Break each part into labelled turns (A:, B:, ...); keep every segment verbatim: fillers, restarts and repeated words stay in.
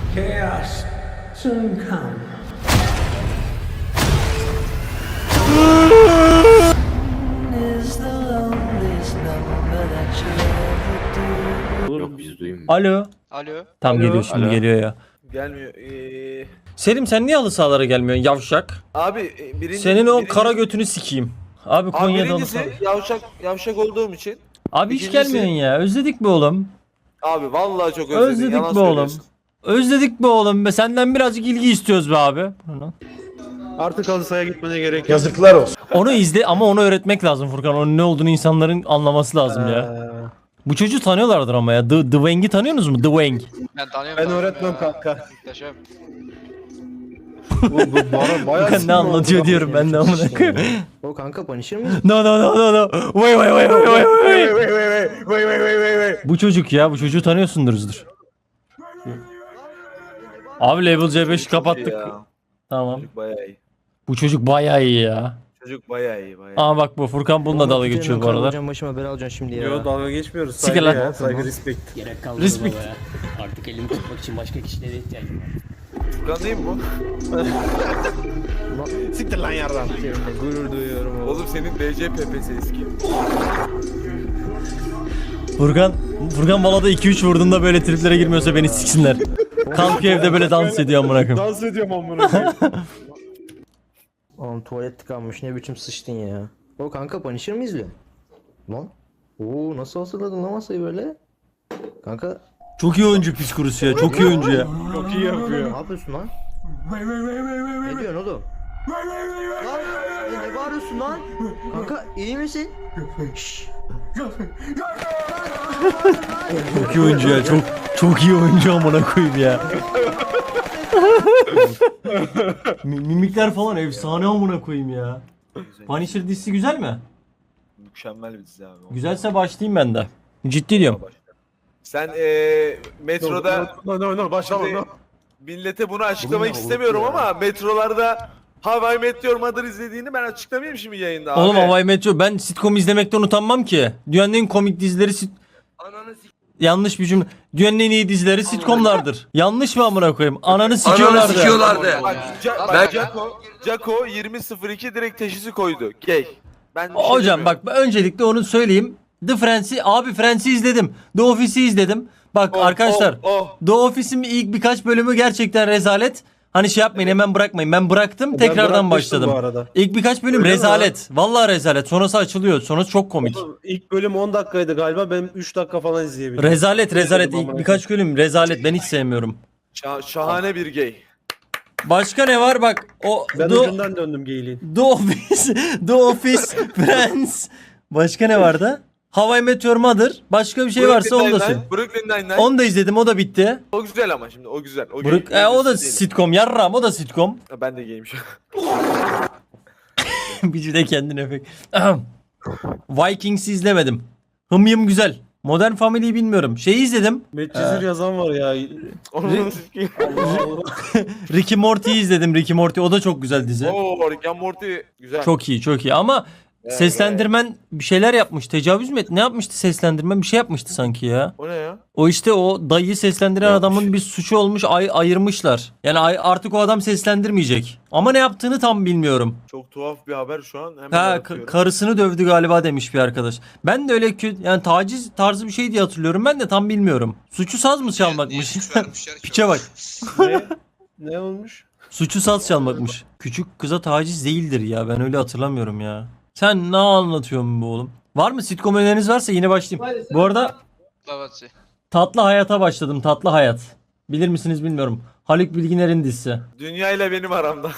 A: Chaos soon come.
B: Yok biz duymuyoruz.
C: Alo.
D: Alo.
C: Tam
E: Alo.
C: geliyor şimdi
B: Alo.
C: geliyor ya.
E: Gelmiyor. Ee,
C: Selim sen niye halı sahalara gelmiyorsun yavşak?
E: abi e, birinci,
C: Senin o
E: birinci-
C: kara götünü sikeyim. Abi
E: Abi
C: Konya'da halı
E: birincisi
C: saha.
E: yavşak yavşak olduğum için.
C: Abi hiç
E: ikincisi-
C: gelmiyorsun ya. Özledik mi oğlum?
E: Abi vallahi çok özledim.
C: Özledik
E: yalan
C: be oğlum.
E: söylüyorsun.
C: Özledik be oğlum be. Senden birazcık ilgi istiyoruz be abi.
B: Artık halı sahaya gitmene gerek yok.
A: Yazıklar olsun.
C: Onu izle ama onu öğretmek lazım Furkan. Onun ne olduğunu insanların anlaması lazım ya.
B: Ee,
C: Bu çocuğu tanıyorlardır ama ya. The, The Wang'i tanıyorsunuz mu? The Wang.
D: Ben tanıyorum.
B: Ben
D: tanıyorum
B: öğretmem
D: ya.
B: kanka.
D: Muhteşem.
B: Bu, bu bana bayağı
C: Furkan ne
B: sinir
C: anlatıyor
B: oldu.
C: diyorum ben de amına koyayım.
F: O kanka Punisher mıyız?
C: No no no no no. Wait wait wait wait wait wait.
B: Wait, wait, wait, wait, wait, wait, wait, wait.
C: Bu çocuk ya. Bu çocuğu tanıyorsunduruzdur. Abi Level C beşi kapattık.
E: Ya,
C: Tamam.
E: çocuk bayağı iyi.
C: Bu çocuk bayağı iyi ya.
E: Çocuk bayağı iyi bayağı.
C: Aa bak bu Furkan bununla dalga geçiyor bu arada.
F: Hocam başıma bela alacaksın şimdi ya.
B: Yo dalga geçmiyoruz.
C: Sikir
B: Saygı
C: lan.
B: ya. Saygı respect.
G: Gerek kalmadı
C: Respect.
G: baba ya. Artık elimi tutmak için başka kişilere ihtiyacım var.
E: Furkan değil mi bu?
B: Siktir lan yardan.
F: Seninle gurur duyuyorum oğlum.
E: Oğlum senin D C P P'si eski.
C: Furkan Furkan balada iki üç vurduğunda böyle triplere girmiyorsa beni siksinler. Kalkıyor evde böyle dans ediyor amına koyayım.
B: Dans ediyorum amına koyayım.
F: Oğlum tuvalet tıkanmış ne biçim sıçtın ya. O kanka Punisher mi izliyorsun? Lan. Oo nasıl hazırladın lan masayı böyle? Kanka
C: Çok iyi oyuncu psikorusu ya. Çok iyi oyuncu ya.
B: Çok iyi yapıyor.
F: ne yapıyorsun lan? Ne diyorsun oğlum? Lan e, ne bağırıyorsun lan? Kanka iyi misin? Şşş.
C: Çok iyi oyuncu ya. Çok çok iyi oyuncu amına koyayım ya. Mi- Mimikler falan efsane amına koyayım ya. Punisher dizisi güzel mi?
E: Mükemmel bir dizi abi.
C: Güzelse başlayayım ben de. Ciddi diyorum.
E: Sen eee metroda
B: No no no başlama no.
E: millete bunu açıklamak istemiyorum ama metrolarda How I Met Your Mother izlediğini ben açıklamayayım şimdi yayında abi.
C: Oğlum Hawaii Metro ben sitcom izlemekten utanmam ki. Dünyanın en komik dizileri sit... Yanlış bir cümle. Dünyanın en iyi dizileri sitcomlardır. Yanlış mı amına koyayım? Ananı sikiyorlardı.
E: Bak, Ca- bak Jaco, Jaco yirmi sıfır iki direkt teşhisi koydu. Gay. Ben bir şey
C: Hocam
E: demiyorum.
C: bak öncelikle onu söyleyeyim. The Friends'i abi Friends'i izledim. The Office'i izledim. Bak
E: Oh,
C: arkadaşlar
E: oh, oh.
C: The Office'in ilk birkaç bölümü gerçekten rezalet. Hani şey yapmayın hemen bırakmayın. Ben bıraktım
B: Ben
C: tekrardan
B: bırakmıştım
C: başladım.
B: bu arada.
C: İlk birkaç bölüm
B: Öyle mi
C: rezalet. Vallahi rezalet. Sonrası açılıyor. Sonrası çok komik.
B: Oğlum, İlk bölüm on dakikaydı galiba. Ben üç dakika falan izleyebildim.
C: Rezalet rezalet.
B: Amına
C: İlk
B: koyayım.
C: birkaç bölüm rezalet. Ben hiç sevmiyorum.
E: Şa- şahane bir gay.
C: Başka ne var bak o
B: Ben
C: The,
B: ucundan döndüm geyliğin.
C: The Office, The Office, Friends. Başka ne vardı? How I Met Your Mother. Başka bir şey varsa onu da söyle.
E: Brooklyn Nine-Nine.
C: Onu da izledim o da bitti.
E: O güzel ama şimdi o güzel. O
C: Brook,
E: gay.
C: e, o da
E: Değil.
C: sitcom yarram o da sitcom.
E: Ben de gayim şu an.
C: Bir de kendine efekt. Ahem. Vikings'i izlemedim. Hım yım güzel. Modern Family'yi bilmiyorum. Şeyi izledim.
B: Medcezir yazan var ya.
E: Onu sikeyim.
C: Rick and Morty'yi izledim. Rick and Morty o da çok güzel dizi.
E: Oo, Rick and Morty güzel.
C: Çok iyi çok iyi ama
E: Evet,
C: seslendirmen bir şeyler yapmış. Tecavüz mü etti? Ne yapmıştı seslendirmen? Bir şey yapmıştı sanki ya.
E: O ne ya?
C: O işte o dayıyı seslendiren
E: Yapmış.
C: adamın bir suçu olmuş ay ayırmışlar. Yani ay artık o adam seslendirmeyecek. Ama ne yaptığını tam bilmiyorum.
E: Çok tuhaf bir haber şu an. Hemen
C: Ha
E: bakıyorum.
C: ka- karısını dövdü galiba demiş bir arkadaş. Ben de öyle kötü yani taciz tarzı bir şey diye hatırlıyorum. Ben de tam bilmiyorum. Suçu saz mı çalmakmış? Piçe bak.
B: Ne? Ne olmuş?
C: Suçu saz çalmakmış. Küçük kıza taciz değildir ya. Ben öyle hatırlamıyorum ya. Sen ne anlatıyorsun bu oğlum? Var mı sitcom öneriniz varsa yine başlayayım. Bu arada
D: Evet.
C: Tatlı Hayat'a başladım. Tatlı Hayat. Bilir misiniz bilmiyorum. Haluk Bilginer'in dizisi.
E: Dünya ile benim aramda.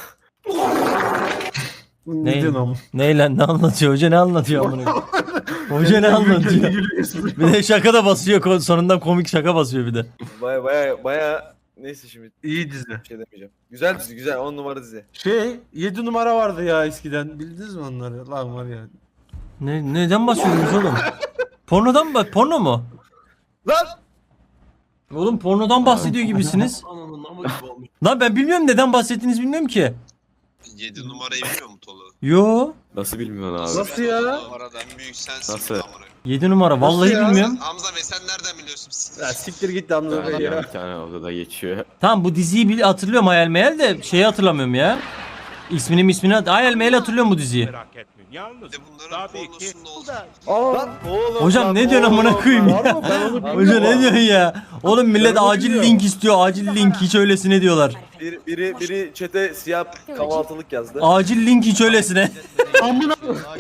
C: Ne?
B: Ne diyorsun ama?
C: Neyle ne anlatıyor? Hoca ne anlatıyor amına? Hoca ne anlatıyor? Bir de şaka da basıyor. ko- Sonunda komik şaka basıyor bir de.
E: Baya baya baya neyse şimdi
B: İyi dizi.
E: bir şey demeyeceğim. Güzel dizi güzel on numara dizi.
B: Şey yedi numara vardı ya eskiden. Bildiniz mi onları? Lan var ya.
C: Ne neden bahsediyorsunuz oğlum? Pornodan mı? Porno mu?
E: Lan!
C: Oğlum pornodan bahsediyor gibisiniz.
G: Ananın namı gibi olmuş.
C: Lan ben bilmiyorum neden bahsettiğinizi bilmiyorum ki.
H: yedi numarayı biliyor mu Tolu?
C: Yo.
I: Nasıl bilmiyorsun abi?
B: Nasıl ya?
H: Numaradan büyük sensin.
I: Nasıl?
H: amına koyayım.
C: yedi numara vallahi
B: ya?
C: bilmiyorum.
D: Hamza Bey sen nereden biliyorsun?
B: Ya siktir git Hamza Bey ya.
H: Bir tane odada geçiyor.
C: Tamam bu diziyi bil hatırlıyorum hayal meyal de şeyi hatırlamıyorum ya. İsmini ismini hayal meyal hatırlıyorum bu diziyi.
D: Bir de bunların pornosunda olsun.
B: Aa, oğlum,
C: Hocam
B: lan
C: ne diyorsun
B: oğlum,
C: amına koyayım ya?
B: var mı? Ben onu
C: Hoca
B: bilmiyorum.
C: ne diyorsun ya? Oğlum millet
B: Ben onu
C: acil
B: biliyorum.
C: link istiyor. Acil link hiç öylesine diyorlar.
E: Bir, biri biri çete siyah kahvaltılık yazdı.
C: Acil link hiç öylesine.
B: Amına.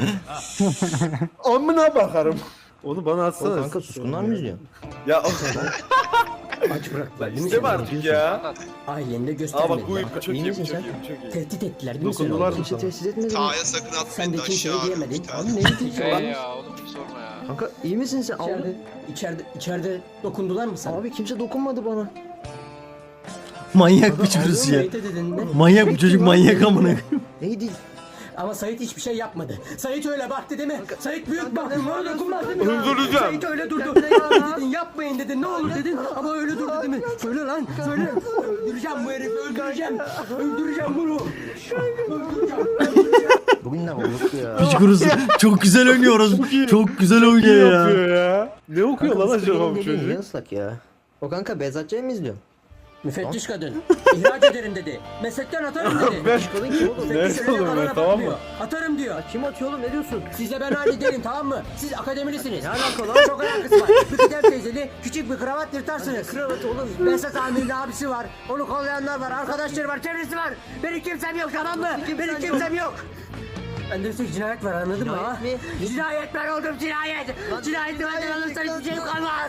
B: Amına bakarım. Onu bana
F: O
B: atsana.
F: kanka suskunlar mı izliyor?
E: Ya
G: Aç bıraktılar değil mi?
E: İstem artık ya.
G: Ailende
E: Aa
G: göstermediler.
E: bak bu ip çok
F: İyi
E: iyi,
F: misin
E: çok
F: sen?
E: iyi, çok iyi.
G: Tehdit ettiler değil mi seni?
B: Dokundular mı
F: Kimse
B: sana?
F: tesis etmedi mi?
D: Ta'ya sakın
G: Sen
D: atmayın
G: de
D: da
G: kimseye
D: aşağı
G: diyemedin.
D: bir tane.
F: Abi neyi diyeceğim?
D: Şey
F: Abi,
D: ya oğlum bir sorma ya.
F: kanka iyi misin sen?
G: İçeride,
F: Abi,
G: içeride, içeride dokundular mı sana?
F: abi kimse dokunmadı bana.
C: Manyak bir çocuk ya.
G: Sait'e dedin ne?
C: Manyak bu çocuk manyak amına.
F: Neydi?
G: Ama Sait hiçbir şey yapmadı. Sait öyle baktı değil mi? Sait büyük baktı. Bana dokunmaz değil mi?
E: Öldüreceğim.
G: Sait öyle durdu. Yapma dedin, yapmayın dedin. Ne olur dedin. Ama öyle durdu değil mi? Söyle lan, söyle. Öldüreceğim bu herifi, öldüreceğim. Öldüreceğim bunu. Öldüreceğim.
F: Bugün ne olduk ya?
C: Piç kurusu. Çok güzel oynuyoruz. Çok güzel oynuyor ya.
B: yapıyor ya? Ne okuyor lan acaba bu
F: Dediğin
B: çocuk?
F: niye ıslak ya? O kanka Bezatçı'yı mı izliyor?
G: Müfettiş kadın. İhraç ederim dedi. Meslekten atarım dedi.
B: Ben
F: Kadın kim oğlum?
B: Nerede
G: Müfettiş öyle
B: oğlum ben,
G: kadına
B: tamam mı?
G: bakmıyor. Atarım diyor.
F: Kim atıyor oğlum ne diyorsun?
G: Size ben hallederim tamam mı? Siz akademilisiniz.
F: Ne alaka lan?
G: Çok alakası var. Bir kıdem teyzeli küçük bir kravat yırtarsınız.
F: Kravat oğlum.
G: Behzat Amir'in abisi var. Onu kollayanlar var. Arkadaşları var. Çevresi var. Benim kimsem yok tamam mı? Benim kimsem yok. Bende bir tek cinayet var anladın mı ha?
F: Cinayet mi?
G: Cinayet ben oldum cinayet. Cinayeti benden alırsan hiçbir şey kalmaz.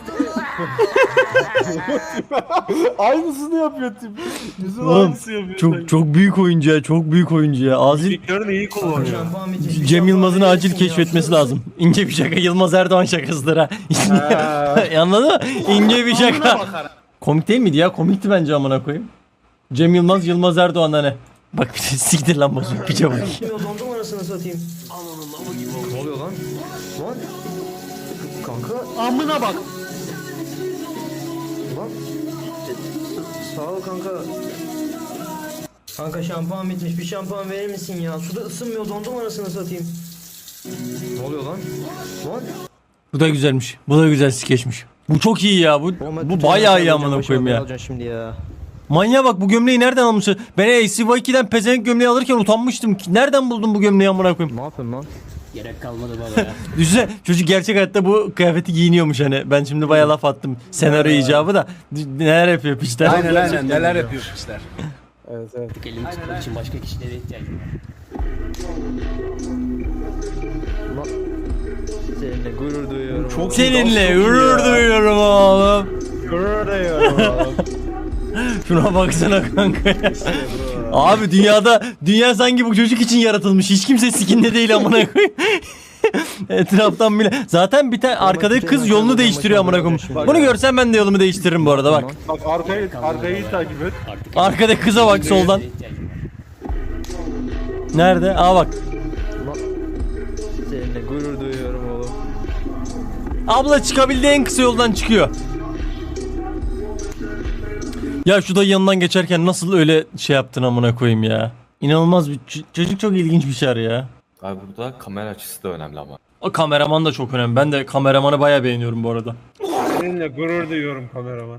B: Aynısını yapıyor tip. Yüzün
C: Oğlum
B: aynısı yapıyor.
C: çok çok büyük oyuncu ya. Çok büyük oyuncu ya. Acil
B: Fikirlerini iyi kullanıyor.
C: Cem Yılmaz'ın acil keşfetmesi lazım. İnce bir şaka Yılmaz Erdoğan şakasıdır ha. Anladın mı? İnce bir şaka. Komik değil miydi ya? Komikti bence amına koyayım. Cem Yılmaz Yılmaz Erdoğan hani. Bak bir de siktir lan bozuk piçe bak.
F: Kim o dondum anasını satayım. Ne oluyor lan? Lan. Kanka.
B: Amına bak.
F: Lan. Sağ ol kanka. Kanka şampuan bitmiş. Bir şampuan verir misin ya? Suda ısınmıyor dondum anasını satayım. Ne oluyor lan? Lan.
C: Bu da güzelmiş. Bu da güzel skeçmiş. Bu çok iyi ya. Bu bu bayağı iyi amına koyayım ya.
F: Alacaksın şimdi ya.
C: Manyağa bak bu gömleği nereden almışsın? Ben A C Y iki'den pezevenk gömleği alırken utanmıştım. Nereden buldun bu gömleği amına koyayım?
F: Ne yapıyorsun lan?
G: Gerek kalmadı baba ya.
C: Düşünsene çocuk gerçek hayatta bu kıyafeti giyiniyormuş hani. Ben şimdi bayağı laf attım senaryo icabı da. Neler yapıyor piçler?
B: Aynen aynen neler yapıyor pisler. Evet evet.
G: Artık elimi tutmak için başka kişilere ihtiyacım var.
F: Lan. Seninle gurur duyuyorum.
B: Çok
C: Seninle gurur duyuyorum oğlum.
B: Gurur duyuyorum.
C: Şuna baksana kanka ya. Abi dünyada dünya sanki bu çocuk için yaratılmış. Hiç kimse sikinde değil amına koyayım. Etraftan bile. Zaten bir tane arkadaki kız yolunu değiştiriyor amına koyayım. Bunu görsem ben de yolumu değiştiririm bu arada bak.
B: Bak arkayı arkayı iyi takip et.
G: Artık
C: Arkadaki kıza bak soldan.
G: ihtiyacım var.
C: Nerede? Aa bak.
F: Lan. Seninle gurur duyuyorum oğlum.
C: Abla çıkabildiği en kısa yoldan çıkıyor. Ya şu da yanından geçerken nasıl öyle şey yaptın amına koyayım ya. İnanılmaz bir ç- çocuk çok ilginç bir şey ya.
H: Abi burada kamera açısı da önemli ama.
C: O kameraman da çok önemli. Ben de kameramanı bayağı beğeniyorum bu arada.
B: Seninle gurur duyuyorum kameraman.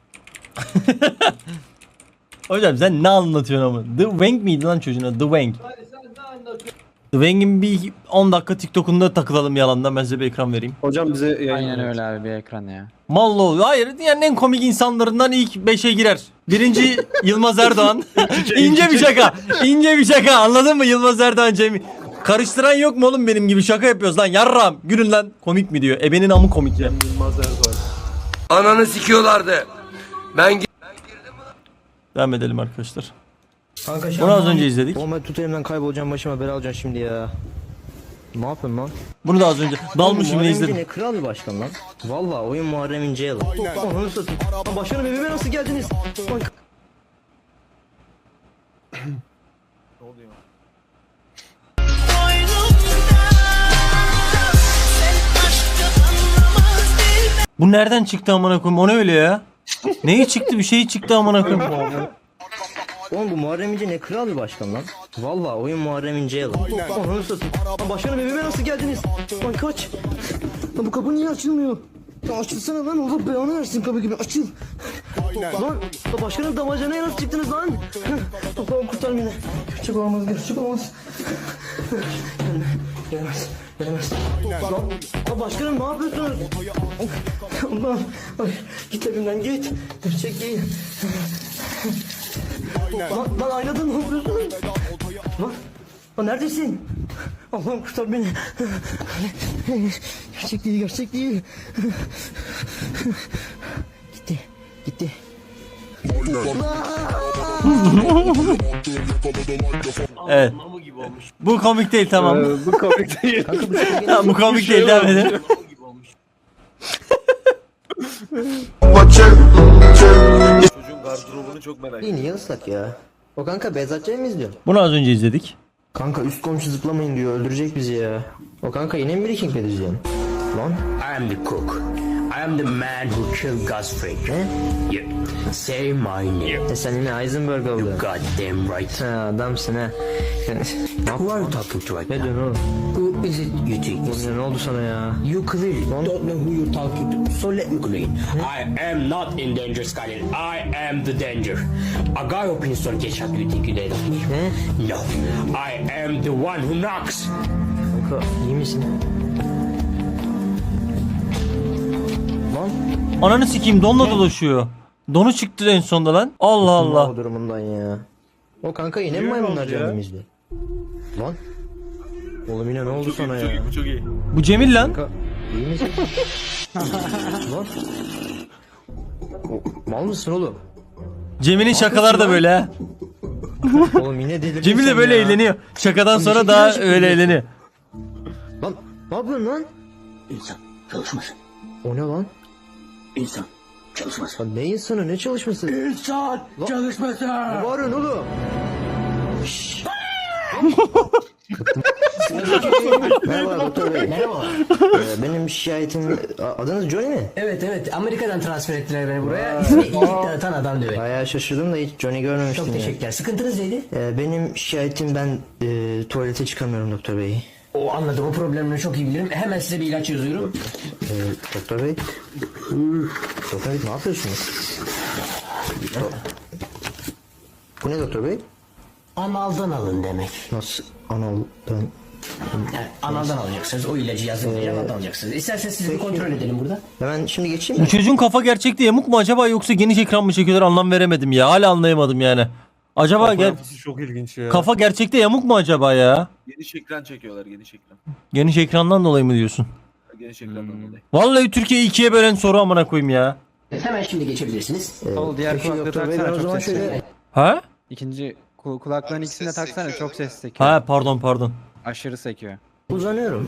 C: Hocam sen ne anlatıyorsun ama? The Wang miydi lan çocuğun adı? The Wang. The Wang'in bir on dakika TikTok'unda takılalım yalandan. Ben size bir ekran vereyim.
B: Hocam bize yayın.
I: Aynen öyle abi bir ekran ya.
C: Mallo. Hayır dünyanın en komik insanlarından ilk beşe girer. Birinci Yılmaz Erdoğan. İnce bir şaka. İnce bir şaka. Anladın mı? Yılmaz Erdoğan Cemil. Karıştıran yok mu oğlum benim gibi? Şaka yapıyoruz lan. Yarram. Gülün lan. Komik mi diyor. Ebenin amı komik ya.
B: Yılmaz Erdoğan.
J: Ananı sikiyorlardı. Ben
C: Devam edelim arkadaşlar.
F: Kanka
C: Bunu az önce izledik.
F: Oğlum tut elimden kaybolacağım başıma bela alacaksın şimdi ya. Ne yapıyorsun lan?
C: Bunu da az önce. Dalmışım ne izledim.
F: Ne kral bir başkan lan. Valla oyun Muharrem İnce'ye lan. Ananı satayım. Lan başkanım evime nasıl geldiniz? Lan
C: Bu nereden çıktı amına koyayım? O ne öyle ya? Neyi çıktı? Bir şey çıktı amına koyayım.
F: Oğlum bu Muharrem İnce ne kral bir başkan lan. Valla oyun Muharrem İnce'ye lan. Ananı satayım. Lan başkanım evime nasıl geldiniz? Lan kaç. Lan bu kapı niye açılmıyor? Ya açılsana lan, Allah belanı versin kapı gibi, açıl. Lan ya başkanım, damacanaya nasıl çıktınız lan? Allah'ım kurtar beni. Gerçek olamaz, gerçek olamaz. Gelme, gelemez, gelemez. Lan ya başkanım ne yapıyorsunuz? Allah'ım, ay, git evimden git. Gerçek değil. Lan, lan aynada ne yapıyorsun? Lan, lan neredesin? Allah'ım kurtar beni. Gerçek değil, gerçek değil. Gitti, gitti.
C: Evet. Bu komik değil, tamam.
B: Bu komik değil.
F: Kanka bu şey
C: Tamam, bu komik değil, devam edelim.
E: Çocuğun gardırobunu çok merak
F: iyi, niye ıslak ya? O kanka Bezatçı'yı mı izliyor?
C: Bunu az önce izledik.
F: Kanka üst komşu zıplamayın diyor, öldürecek bizi ya. O kanka yine mi Breaking Bad izliyorsun? Lan?
G: I am the cook. I am the man who killed Gus Fring.
F: Ne?
G: Yeah. Say my name.
F: E sen yine Heisenberg oldun.
G: Goddamn right.
F: Ha adamsın ha.
G: Who are you talking to right
F: Ne
G: now?
F: diyorsun oğlum?
G: Who is it you think? is?
F: Ne oldu sana ya?
G: You clearly don't know who you're talking to. So let me clear. I am not in danger, Skyler. I am the danger. A guy opens door gets shot. You think you dead?
F: Ne?
G: No. I am the one who knocks.
F: Kanka iyi misin? Lan?
C: Ananı sikeyim, donla dolaşıyor. Donu çıktı en sonunda lan. Allah Allah.
F: O durumundan ya. O kanka yine mi
B: Niye
F: maymunlar
B: oldu ya?
F: cehennemizde? Lan? Oğlum yine ne oldu
E: Çok
F: sana
E: iyi, çok
F: ya?
E: iyi, bu çok iyi.
C: Bu Cemil lan.
F: Kanka iyi misin? Lan? O- Mal mısın oğlum?
C: Cemil'in şakaları da böyle ha.
F: Oğlum yine delirdin
C: Cemil de
F: sen
C: böyle
F: ya.
C: eğleniyor. Şakadan
F: Oğlum,
C: sonra
F: bir
C: daha
F: şey
C: öyle
F: yapıyorsun.
C: eğleniyor.
F: Lan ne yapıyorsun lan?
G: İnsan çalışmasın.
F: O ne lan?
G: İnsan çalışmasın.
F: Lan ne insanı, ne çalışması? Ne
G: İnsan çalışmasın.
F: bağırıyorsun oğlum? Merhaba doktor bey.
G: Merhaba.
F: Ee, benim şikayetim... A- Adınız Johnny mi?
G: Evet evet, Amerika'dan transfer ettiler beni buraya. İsmi iyilik dağıtan adam diyor.
F: Bayağı şaşırdım da hiç Johnny görmemiştim.
G: Çok
F: ya.
G: teşekkürler. Sıkıntınız neydi?
F: Ee, benim şikayetim, ben e, tuvalete çıkamıyorum doktor bey.
G: O anladım, o problemini çok iyi bilirim. Hemen size bir ilaç yazıyorum.
F: Ee, doktor bey. Doktor bey ne yapıyorsunuz? Bu ne doktor bey?
G: Analdan alın demek.
F: Nasıl analdan?
G: Yani analdan alacaksınız. O ilacı yazın diye analdan alacaksınız. İsterseniz sizi bir kontrol edelim burada.
F: Hemen şimdi geçeyim
C: Bu
F: mi?
C: çocuğun kafa gerçekte yamuk mu acaba, yoksa geniş ekran mı çekiyorlar, anlam veremedim ya. Hala anlayamadım yani. Acaba
B: Kafa
C: ger-
B: yapısı çok ilginç ya.
C: kafa gerçekte yamuk mu acaba ya?
E: Geniş ekran çekiyorlar, geniş ekran.
C: Geniş ekrandan dolayı mı diyorsun?
E: Geniş ekrandan dolayı.
C: Vallahi Türkiye'yi ikiye bölen soru amına koyayım ya.
G: Hemen şimdi geçebilirsiniz.
F: Ee, diğer peki doktor bey, ben o zaman şöyle...
C: Ha?
I: İkinci kul- kulakların
D: Abi
I: ikisini de
D: ses
I: taksana,
D: sekiyor,
I: çok
D: değil
I: ses sekiyor.
C: Ha pardon pardon.
I: Aşırı sekiyor.
F: Uzanıyorum.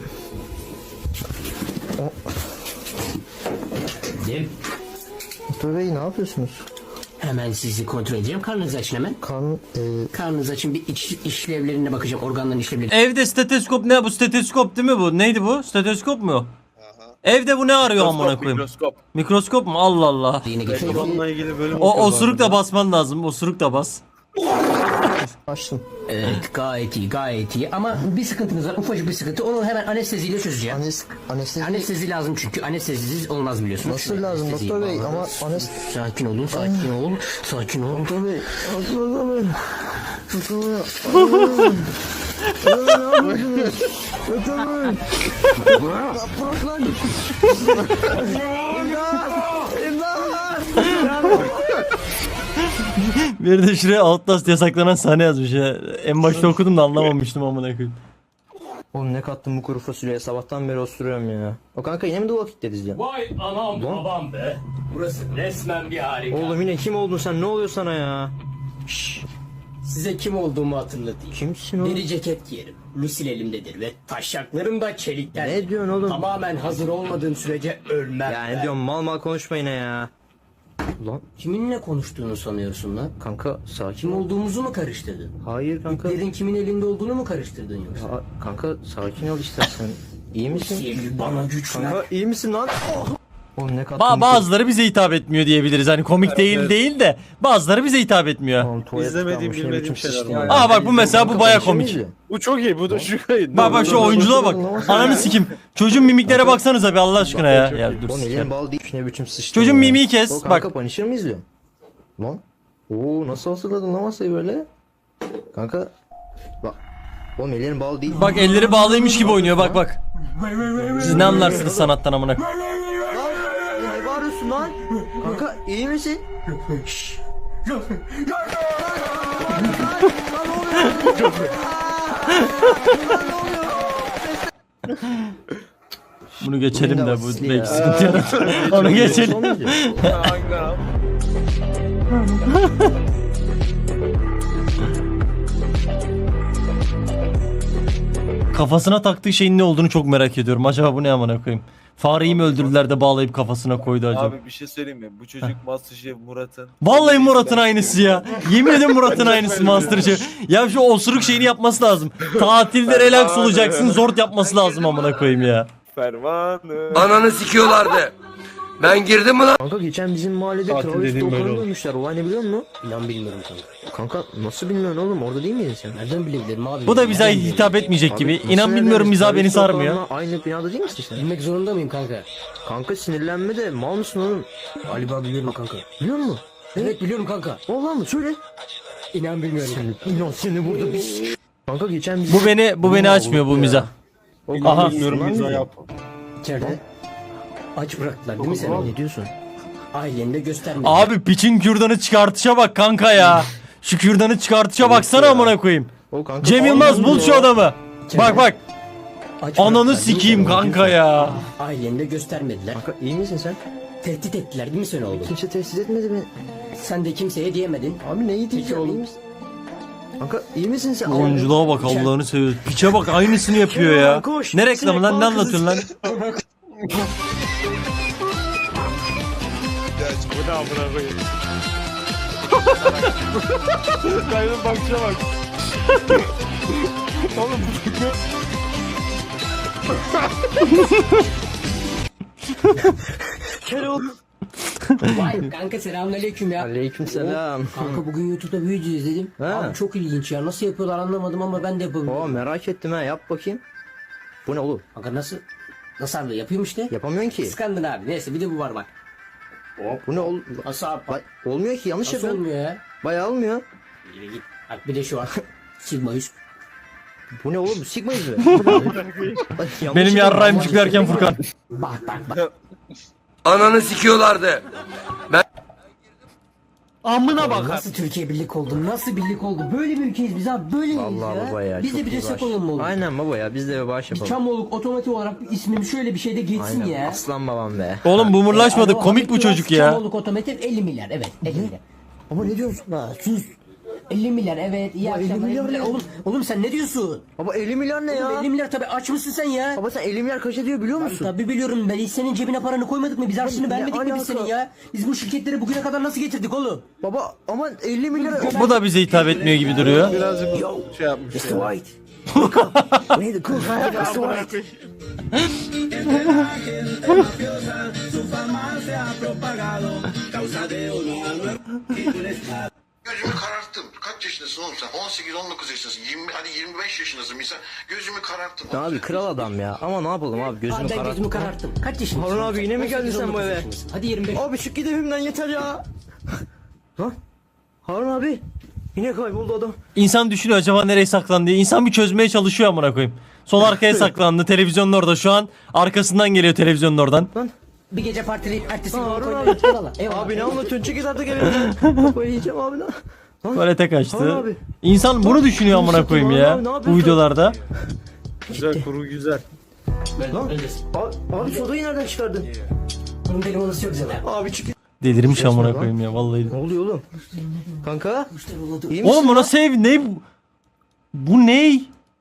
G: Değil.
F: Doktor bey ne yapıyorsunuz?
G: Hemen sizi kontrol edeceğim. Karnınızı açın hemen.
F: Kan... E,
G: Karnınızı açın, bir iç, işlevlerine bakacağım. Organların işlevlerine.
C: Evde steteskop ne bu? Steteskop değil mi bu? Neydi bu? Steteskop mu? Evde bu ne arıyor amına
E: Mikroskop,
C: koyayım?
E: mikroskop.
C: Mikroskop mu? Allah Allah.
G: Yine geçelim.
B: Onunla ilgili bölüm
C: O
B: okuyorlar
C: osuruk da
B: burada.
C: basman lazım. Osuruk da bas.
F: açtım.
G: Evet, gayet iyi, gayet iyi. Ama bir sıkıntınız var, ufacık bir sıkıntı. Onu hemen anesteziyle çözeceğim.
F: Anes, anestezi...
G: Anestezi lazım çünkü anestezisiz olmaz biliyorsunuz.
F: Nasıl lazım
G: Anesteziyi
F: doktor bey?
G: bağlı.
F: Ama anest...
G: Sakin olun, sakin ol, sakin ol.
F: Doktor bey... Doktor bey... Doktor bey... Doktor bey... Doktor bey... Doktor bey... Bırak lan!
C: Bir de şuraya Outlast yasaklanan sahne yazmış ya. En başta okudum da anlamamıştım amına koyayım.
F: Oğlum ne kattın bu kuru fasulyeye? Sabahtan beri osturuyorum ya. O kanka yine mi The Walking Dead izliyorsun?
G: Vay anam babam be. Burası resmen bir harika.
F: Oğlum yine kim oldun sen? Ne oluyor sana ya?
G: Size kim olduğumu hatırlatayım.
F: Kimsin oğlum?
G: Deri ceket giyerim. Lusil elimdedir ve taşaklarım da çelikten.
F: Ne diyorsun oğlum?
G: Tamamen hazır olmadığım sürece ölmem.
F: Ya ne diyorsun, mal mal konuşma yine ya. Lan
G: Kiminle konuştuğunu sanıyorsun lan?
F: kanka sakin
G: Kim
F: ol.
G: olduğumuzu mu karıştırdın?
F: Hayır kanka.
G: İplerin kimin elinde olduğunu mu karıştırdın yoksa?
F: Ya, kanka sakin ol istersen. İyi misin?
G: Sevgi bana güç ver.
F: Kanka iyi misin lan? Oh! Oğlum ne kattın?
C: Ba bazıları bize hitap etmiyor diyebiliriz. Hani komik değil
B: evet.
C: değil de bazıları bize hitap etmiyor.
F: Oğlum, tuvalet
B: İzlemediğim,
F: kalmış, ne
B: bilmediğim
F: biçim
B: şeyler
F: sıçtın
B: var.
F: ya.
C: Aa bak bu mesela bu
F: Kanka,
C: baya
F: konuşuyor
C: komik.
F: muyuz?
B: Bu çok iyi. Bu da şu kayıt.
C: Bak bak şu oyunculuğa bak. Ananı sikim. Çocuğun mimiklere baksanıza bir Allah aşkına ya. Ya dur.
F: Oğlum
C: sikerim.
F: elin bal değil ne biçim sıçtın
C: Çocuğun
F: ya.
C: mimiği kes,
F: O kanka
C: bak.
F: Punisher mı izliyorsun? Lan. Oo nasıl hazırladın lan masayı böyle? Kanka. Bak. Oğlum ellerin bal değil.
C: Bak elleri bağlıymış gibi oynuyor bak bak. Siz ne anlarsınız sanattan amına.
F: Lan ne bağırıyorsun lan? Kanka iyi misin? Şşş.
C: Bunu geçelim de bu
F: Ya.
C: belki sıkıntı yaratır. Onu geçelim.
F: Son video.
C: Kafasına taktığı şeyin ne olduğunu çok merak ediyorum. Acaba bu ne amına koyayım? Fareyi mi öldürdüler de bağlayıp kafasına koydu acaba?
E: Abi bir şey söyleyeyim mi? Bu çocuk Masterchef Murat'ın.
C: Vallahi Murat'ın aynısı ya. Yemin ederim Murat'ın aynısı Masterchef. Ya şu osuruk şeyini yapması lazım. Tatilde relax olacaksın, zort yapması lazım amına koyayım ya.
E: Fermanı.
J: Ananı sikiyorlardı. Ben girdim mi lan?
F: Kanka geçen bizim mahallede
B: Tatil
F: terörist
B: dediğim böyle
F: Doğukan'ı
B: olur.
F: dövmüşler. Olay ne biliyor musun?
G: İnan bilmiyorum kanka.
F: Kanka nasıl bilmiyorsun oğlum? Orada değil miydin sen?
G: Nereden bilebilirim abi?
C: Bu da bize
G: Nereden
C: hitap etmeyecek
F: Abi,
C: gibi.
F: nasıl
C: İnan
F: nereden
C: bilmiyorum mizah beni
F: terörist
C: sarmıyor.
F: Doğukan'la aynı binada değil misin sen?
G: bilebilirim? Bilmek zorunda mıyım kanka?
F: Kanka sinirlenme de mal mısın oğlum?
G: Galiba biliyorum kanka.
F: Biliyor musun?
G: Evet biliyorum kanka.
F: Oğlum mı? Söyle.
G: İnan bilmiyorum.
F: İnan seni burada bir Kanka geçen bizim...
C: Bu beni bu beni açmıyor bu mizah.
F: O
C: Aha.
B: Bilmiyorum mizah yap.
G: İçeride. Aç bıraktılar değil mi seni?
F: Ne diyorsun?
G: Aileni de göstermedi.
C: Abi piçin kürdanı çıkartışa bak kanka ya. Şu kürdanı çıkartışa baksana amına koyayım.
F: O kanka
C: Cem Yılmaz bul şu adamı. Bak bak.
G: Aç
C: Ananı
G: bıraktılar, değil mi
C: sikeyim
G: seni?
C: kanka ya.
G: Aileni de göstermediler.
F: Kanka iyi misin sen?
G: Tehdit ettiler değil mi sen oğlum?
F: Kimse tesis etmedi beni.
G: Sen de kimseye diyemedin.
F: Abi neyi diyeceğim?
G: oğlum.
F: İyi misin? Kanka iyi misin sen?
C: Oyunculuğa bak Allah'ını seviyorsun. Piçe bak aynısını yapıyor ya.
F: Koş.
C: Ne reklamı lan ne
F: Sinek
C: anlatıyorsun lan?
E: Bu ne amına koyayım? Kaydın bakışa bak. Oğlum
G: Vay kanka selamünaleyküm ya.
F: Aleykümselam.
G: Kanka bugün YouTube'da bir video izledim.
F: He.
G: Abi çok ilginç ya. Nasıl yapıyorlar anlamadım ama ben de yapabiliyorum.
F: Oo merak ettim ha yap bakayım. Bu ne oğlum?
G: Kanka nasıl? Nasıl abi yapıyorum işte.
F: Yapamıyorsun ki.
G: Kıskandın abi. Neyse bir de bu var bak.
F: Bu ne oğlum?
G: Nasıl abi?
F: Bak, olmuyor ki yanlış
G: Nasıl
F: yapıyorsun.
G: olmuyor ya?
F: Bayağı olmuyor.
G: Yürü git. Bak bir de şu var. Sigma yüz.
F: Bu ne oğlum? Sigma yüzü. Bak, yanlış
C: Benim
F: yapıyorsun.
C: yarrağım çıkarken Furkan.
G: Bak bak bak.
J: Ananı sikiyorlardı.
B: Amına bak.
G: Nasıl Türkiye birlik oldu? Nasıl birlik oldu? Böyle bir ülkeyiz biz abi. Böyle miyiz
F: Vallahi
G: ya?
F: baba ya.
G: Biz de
F: çok
G: bir
F: iyi
G: destek
F: baş.
G: olalım mı oğlum?
F: Aynen baba ya biz de bir bağış yapalım.
G: Çamoluk otomatik olarak bir ismim şöyle bir şeyde geçsin
F: Aynen
G: ya.
F: aslan babam be.
C: Oğlum bumurlaşmadık.
G: Alo,
C: Komik bu
G: Hamit
C: çocuk
G: Duras,
C: ya.
G: Çamoluk otomotiv elli milyar evet elli milyar.
F: Ama ne diyorsun la? Sus.
G: elli milyar evet iyi
F: Baba, elli
G: akşamlar.
F: milyar
G: elli milyar.
F: ne?
G: Oğlum, oğlum sen ne diyorsun?
F: Baba elli milyar ne ya?
G: elli milyar tabii aç mısın sen ya?
F: Baba sen elli milyar kaç ediyor biliyor musun?
G: Tabii biliyorum ben hiç senin cebine paranı koymadık mı? Biz harçlığını
F: ne
G: vermedik mi biz
F: alaka?
G: senin ya? Biz bu şirketleri bugüne kadar nasıl getirdik oğlum?
F: Baba ama elli milyar...
C: Bu da bize hitap etmiyor gibi duruyor.
B: Birazcık şey yapmış.
F: Mister
B: ya.
F: White. Neydi kız? Mister White.
K: Gözümü kararttım. Kaç yaşındasın oğlum sen? on sekiz on dokuz yaşındasın. yirmi, hadi yirmi beş yaşındasın misal. Gözümü kararttım.
F: Abi kral adam ya. Ama ne yapalım abi gözümü
G: Abi ben
F: kararttı.
G: gözümü kararttım. Kaç yaşındasın?
F: Harun abi yine mi geldin sen bu eve?
G: Hadi yirmi beş.
F: Abi çık git evimden yeter ya. Lan Harun abi yine kayboldu adam.
C: İnsan düşünüyor acaba nereye saklandı diye. İnsan bir çözmeye çalışıyor amına koyayım. Sol arkaya saklandı. Televizyonun orada şu an. Arkasından geliyor televizyonun oradan.
G: Bir gece partileyip ertesi gün
F: Harun
G: koyun.
F: abi.
G: Eyvallah. Eyvallah.
F: Abi ne anlatıyorsun çık git artık evimden. Kafayı yiyeceğim abi lan. Lan,
C: Tuvalete
F: Harun
C: kaçtı.
F: abi.
C: İnsan bunu düşünüyor amına koyayım
F: Harun
C: ya.
F: abi, ne
C: Bu
F: yapıyorsun?
C: videolarda.
B: Güzel kuru güzel.
F: Lan. Abi, abi sodayı nereden çıkardın?
G: Bunun benim olası çok güzel.
F: Abi çık.
C: Delirmiş
F: Resmen
C: amına
F: lan.
C: koyayım ya vallahi.
F: Ne oluyor oğlum? Kanka
G: Müşteri oldu.
F: iyi misin?
C: Oğlum buna save ne bu? Bu ne?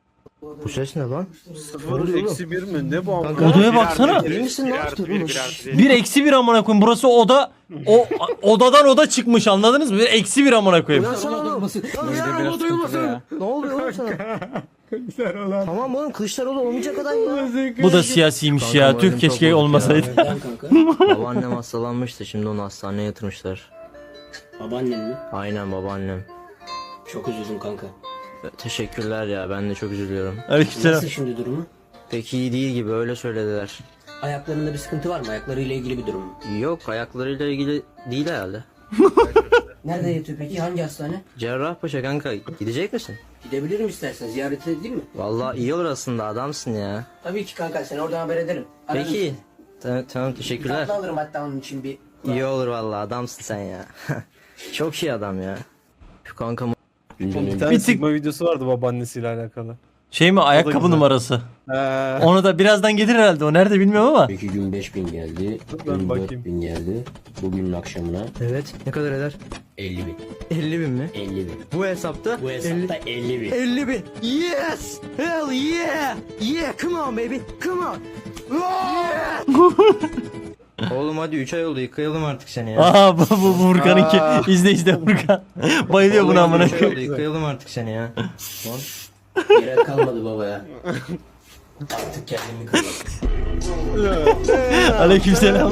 F: Bu ses ne lan?
B: Sıfır eksi bir mi? Ne bu amına?
C: Odaya baksana.
F: İyi misin lan?
C: Bir eksi bir amına koyayım. Burası oda. O odadan oda çıkmış, anladınız mı? Bir eksi bir amına koyayım.
F: Uyansana oğlum. Lan
I: Böyle
F: ya,
I: biraz
F: oğlum,
I: sıkıntılı ya.
F: Ne oluyor oğlum sana? Tamam oğlum, Kılıçdaroğlu olmayacak adam ya.
C: Bu da siyasiymiş ya. Tüh, keşke olmasaydı.
F: Babaannem hastalanmıştı, şimdi onu hastaneye yatırmışlar.
G: Babaannen mi?
F: Aynen, babaannem.
G: Çok üzüldüm kanka.
F: Teşekkürler ya, ben de çok üzülüyorum.
C: Aleykümselam.
G: Nasıl şimdi durumu?
F: Pek iyi değil gibi, öyle söylediler.
G: Ayaklarında bir sıkıntı var mı? Ayaklarıyla ilgili bir durum mu?
F: Yok, ayaklarıyla ilgili değil herhalde.
G: Nerede yatıyor peki? Hangi hastane?
F: Cerrahpaşa kanka, gidecek misin?
G: Gidebilirim istersen. Ziyaret edeyim mi?
F: Vallahi iyi olur aslında, adamsın ya.
G: Tabii ki kanka. Seni oradan haber ederim. Ararım
F: Peki.
G: seni.
F: Tamam, tamam, teşekkürler.
G: Tatlı alırım hatta onun için bir.
F: İyi olur vallahi, adamsın sen ya. Çok iyi adam ya. Şu kankam.
B: Bir tane
C: Bir tık-
B: Sigma videosu vardı babaannesiyle alakalı.
C: Şey mi, ayakkabı
B: güzel.
C: numarası.
B: He.
C: Onu da birazdan gelir herhalde. O nerede bilmiyorum ama.
G: İki gün beş bin geldi.
B: Ben
G: Dün
B: bakayım.
G: dört bin geldi. Bugünün akşamına
F: Evet, ne kadar eder?
G: elli bin.
F: elli bin mi?
G: elli bin.
F: Bu hesapta?
G: Bu hesapta elli bin.
F: elli bin. Yes! Hell yeah! Yeah, come on baby, come on! Yeah! Oğlum hadi üç ay oldu, yıkayalım artık seni ya.
C: Aha, bu, bu, bu Furkan'ınki. İzle izle Furkan. Bayılıyor buna amına
F: üç ay oldu,
C: koyayım.
F: yıkayalım artık seni ya.
G: Yere kalmadı baba ya. Artık kendimi kırmadım.
C: Aleykümselam.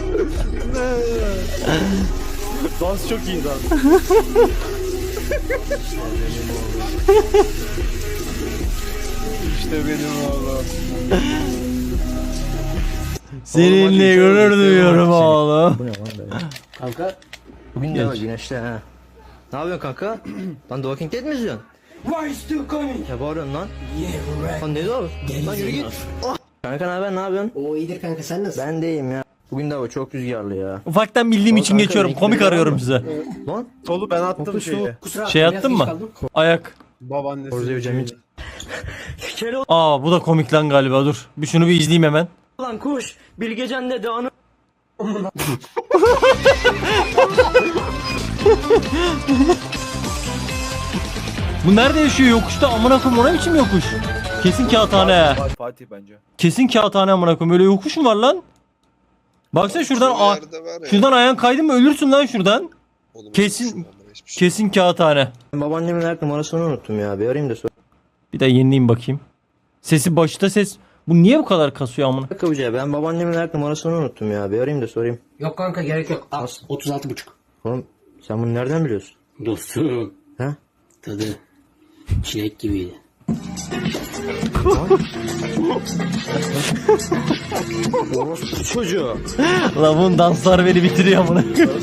B: Dans çok iyi dans. İşte benim oğlum.
C: Seninle gurur duyuyorum oğlum.
F: Bu ne lan böyle?
G: Kanka.
F: Bugün de var güneşli ha. Ne yapıyorsun kanka? Lan The Walking Dead mi izliyorsun?
G: Why still coming?
F: Ya bağırıyorsun lan.
G: Yeah right.
F: Lan ne diyor? Lan yürü git. Oh. Kanka ne haber, ne yapıyorsun?
G: O iyidir kanka, sen nasılsın?
F: Ben de iyiyim ya. Bugün de hava çok rüzgarlı ya.
C: Ufaktan bildiğim için
F: Kanka,
C: geçiyorum.
F: renkli
C: Komik
F: bir
C: arıyorum
F: var
C: size.
F: Lan
B: Solu ben attım
F: Otuz
B: şeyi.
G: Kusura
C: Şey
G: bakma,
C: attın
G: biraz
C: mı?
G: geç kaldım.
C: Ayak.
B: Babaannesi.
F: Orada hocam hiç.
C: Aa, bu da komik lan galiba, dur. Bir şunu bir izleyeyim hemen.
F: Lan kuş, Bilgecan dedi onu.
C: Bu nerede yaşıyor, yokuşta amına koyayım, o ne biçim yokuş? Kesin kağıthane.
E: Fatih bence.
C: Kesin kağıthane amına koyayım. Böyle yokuş mu var lan? Baksana şuradan a- şuradan ayağın kaydın mı ölürsün lan şuradan. Kesin kesin kağıthane.
F: Babaannemin her numarasını unuttum ya. Bir arayayım da sor.
C: Bir de yenileyim bakayım. Sesi başta ses. Bu niye bu kadar kasıyor amına?
F: Kapıcıya, ben babaannemin her numarasını unuttum ya. Bir arayayım da sorayım.
G: Yok kanka, gerek yok. Al, otuz altı buçuk.
F: Oğlum sen bunu nereden biliyorsun?
G: Dostum.
F: Ha?
G: Tadı çilek gibiydi.
F: Çocuğu.
C: Lan bunun danslar beni bitiriyor amına.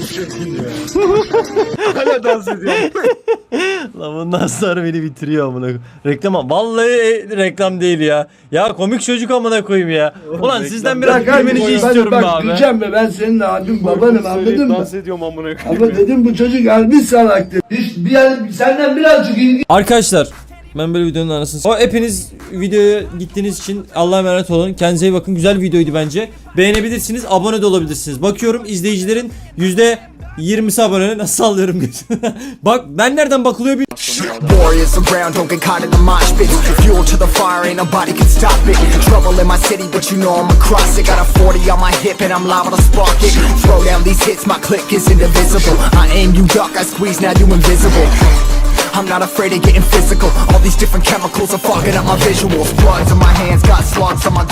B: Hala dans ediyor.
C: Lan bunun danslar beni bitiriyor amına. Reklam, vallahi e, reklam değil ya. Ya komik çocuk amına koyayım ya. Ulan sizden biraz gülmenizi istiyorum be abi.
A: Diyeceğim mi, ben senin abim babanım, anladın mı?
B: Dans ediyorum amına koyayım.
A: Ama dedim bu çocuk harbi salaktır. Hiç bir yer, senden birazcık ilgi
C: Arkadaşlar, ben böyle videonun anasını s- O hepiniz videoya gittiğiniz için Allah'a emanet olun. Kendinize iyi bakın. Güzel bir videoydu bence. Beğenebilirsiniz, abone de olabilirsiniz. Bakıyorum izleyicilerin yüzde yirmisi abone. Nasıl sallıyorum gözüne? Bak ben nereden bakılıyor bir
J: Warriors around, don't get caught in the mosh pit. Fuel to the fire, ain't nobody can stop it. Trouble in my city, but you know I'm across it. Got a forty on my hip and I'm liable to spark it. Throw down these hits, my click is indivisible. I aim, you duck, I squeeze, now you invisible. I'm not afraid of getting physical. All these different chemicals are fogging up my visuals. Bloods on my hands, got slugs on my